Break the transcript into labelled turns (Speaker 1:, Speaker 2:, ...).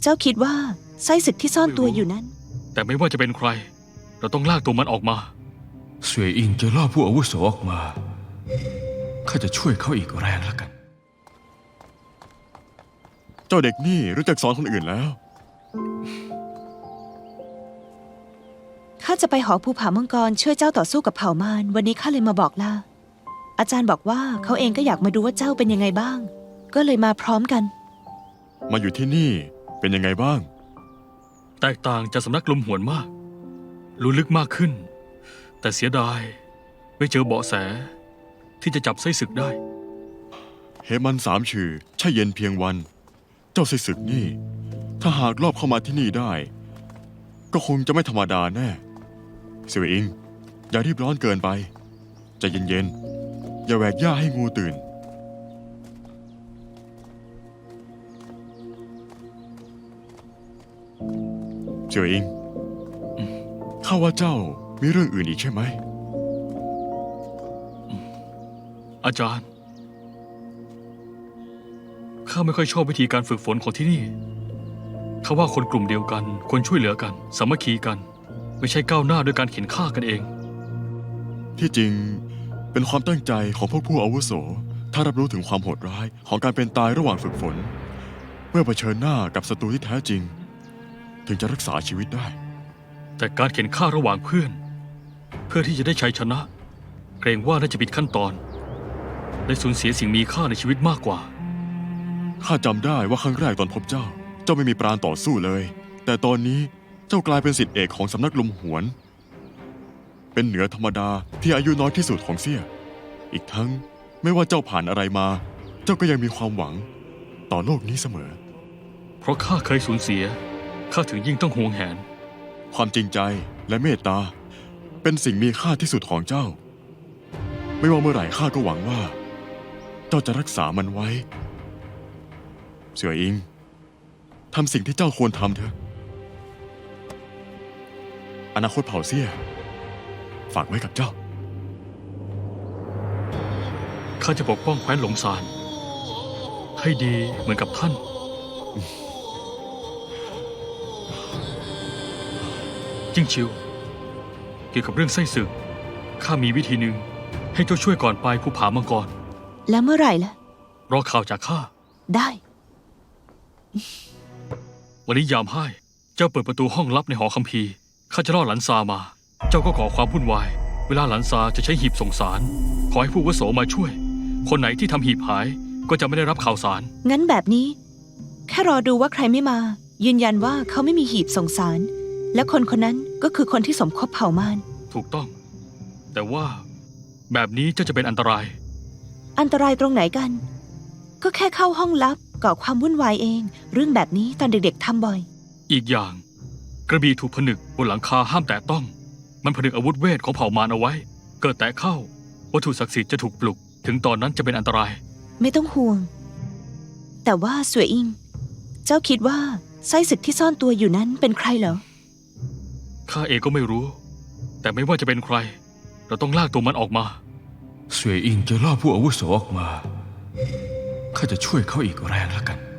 Speaker 1: เจ้าคิดว่าไส้ศึกที่ซ่อนตัวอยู่นั้น
Speaker 2: แต่ไม่ว่าจะเป็นใครเราต้องลากตัวมันออกมา
Speaker 3: เสวยอิงจะล่อผู้อาวุโสออกมาข้าจะช่วยเขาอีกแรงแล้วกัน
Speaker 4: เจ้าเด็กนี่รู้จักสอนคนอื่นแล้ว
Speaker 1: ข้าจะไปหอภูผามังกรช่วยเจ้าต่อสู้กับเผ่ามารวันนี้ข้าเลยมาบอกลาอาจารย์บอกว่าเขาเองก็อยากมาดูว่าเจ้าเป็นยังไงบ้างก็เลยมาพร้อมกัน
Speaker 4: มาอยู่ที่นี่เป็นยังไงบ้าง
Speaker 2: แตกต่างจากสำนักลมหวนมากรู้ลึกมากขึ้นแต่เสียดายไม่เจอเบาะแสที่จะจับไส้ศึกได้
Speaker 4: เหมันสามชื่อใช่เย็นเพียงวันเจ้าไส้ศึกนี่ถ้าหากลอบเข้ามาที่นี่ได้ก็คงจะไม่ธรรมดาแน่เสวยอิงอย่ารีบร้อนเกินไปใจเย็นๆอย่าแหวกหญ้าให้งูตื่นเสวยอิงข้าว่าเจ้ามีเรื่องอื่นอีกใช่ไหม
Speaker 2: อาจารย์ข้าไม่ค่อยชอบวิธีการฝึกฝนของที่นี่ข้าว่าคนกลุ่มเดียวกันควรช่วยเหลือกันสามัคคีกันไม่ใช่ก้าวหน้าด้วยการเข็นฆ่ากันเอง
Speaker 4: ที่จริงเป็นความตั้งใจของพวกผู้อาวุโสถ้ารับรู้ถึงความโหดร้ายของการเป็นตายระหว่างฝึกฝนเมื่อเผชิญหน้ากับศัตรูที่แท้จริงถึงจะรักษาชีวิตได้
Speaker 2: แต่การเข็นฆ่าระหว่างเพื่อที่จะได้ชัยชนะเกรงว่าน่าจะผิดขั้นตอนได้สูญเสียสิ่งมีค่าในชีวิตมากกว่า
Speaker 4: ข้าจำได้ว่าครั้งแรกตอนพบเจ้าไม่มีปราณต่อสู้เลยแต่ตอนนี้เจ้ากลายเป็นศิษย์เอกของสำนักลมหวนเป็นเหนือธรรมดาที่อายุน้อยที่สุดของเสี่ยอีกทั้งไม่ว่าเจ้าผ่านอะไรมาเจ้าก็ยังมีความหวังต่อโลกนี้เสมอ
Speaker 2: เพราะข้าเคยสูญเสียข้าถึงยิ่งต้องหวงแหน
Speaker 4: ความจริงใจและเมตตาเป็นสิ่งมีค่าที่สุดของเจ้าไม่ว่าเมื่อไหร่ข้าก็หวังว่าเจ้าจะรักษามันไว้เสี่ยอิงทำสิ่งที่เจ้าควรทำเถอะอนาคตเผ่าเสี่ยฝากไว้กับเจ้า
Speaker 2: ข้าจะปกป้องแคว้นหลงซานให้ดีเหมือนกับท่านจิ้งชิวเกี่ยวกับเรื่องไส้ศึกข้ามีวิธีหนึ่งให้เจ้าช่วยก่อนไปภูผามังกร
Speaker 1: แล้วเมื่อไหร่ล่ะ
Speaker 2: รอข่าวจากข้า
Speaker 1: ได้
Speaker 2: วันนี้ยามให้เจ้าเปิดประตูห้องลับในหอคัมภีร์ข้าจะล่อหลันซามาเจ้าก็ขอความวุ่นวายเวลาหลันซาจะใช้หีบส่งสารขอให้ผู้อาวุโสมาช่วยคนไหนที่ทำหีบหายก็จะไม่ได้รับข่าวสาร
Speaker 1: งั้นแบบนี้แค่รอดูว่าใครไม่มายืนยันว่าเขาไม่มีหีบส่งสารและคนคนนั้นก็คือคนที่สมคบเผ่ามาร
Speaker 2: ถูกต้องแต่ว่าแบบนี้เจ้าจะเป็นอันตราย
Speaker 1: อันตรายตรงไหนกันก็แค่เข้าห้องลับก่อความวุ่นวายเองเรื่องแบบนี้ตอนเด็กๆทำบ่อย
Speaker 2: อีกอย่างกระบี่ถูกผนึกบนหลังคาห้ามแตะต้องมันผนึกอาวุธเวทของเผ่ามารเอาไว้เกิดแตะเข้าวัตถุศักดิ์สิทธิ์จะถูกปลุกถึงตอนนั้นจะเป็นอันตราย
Speaker 1: ไม่ต้องห่วงแต่ว่าเสวยอิงเจ้าคิดว่าไส้ศึกที่ซ่อนตัวอยู่นั้นเป็นใครเหรอ
Speaker 2: ข้าเองก็ไม่รู้แต่ไม่ว่าจะเป็นใครเราต้องลากตัวมันออกมา
Speaker 3: เสวยอิงจะล่อผู้อาวุโสออกมาข้าจะช่วยเขาอีกแรงแล้วกัน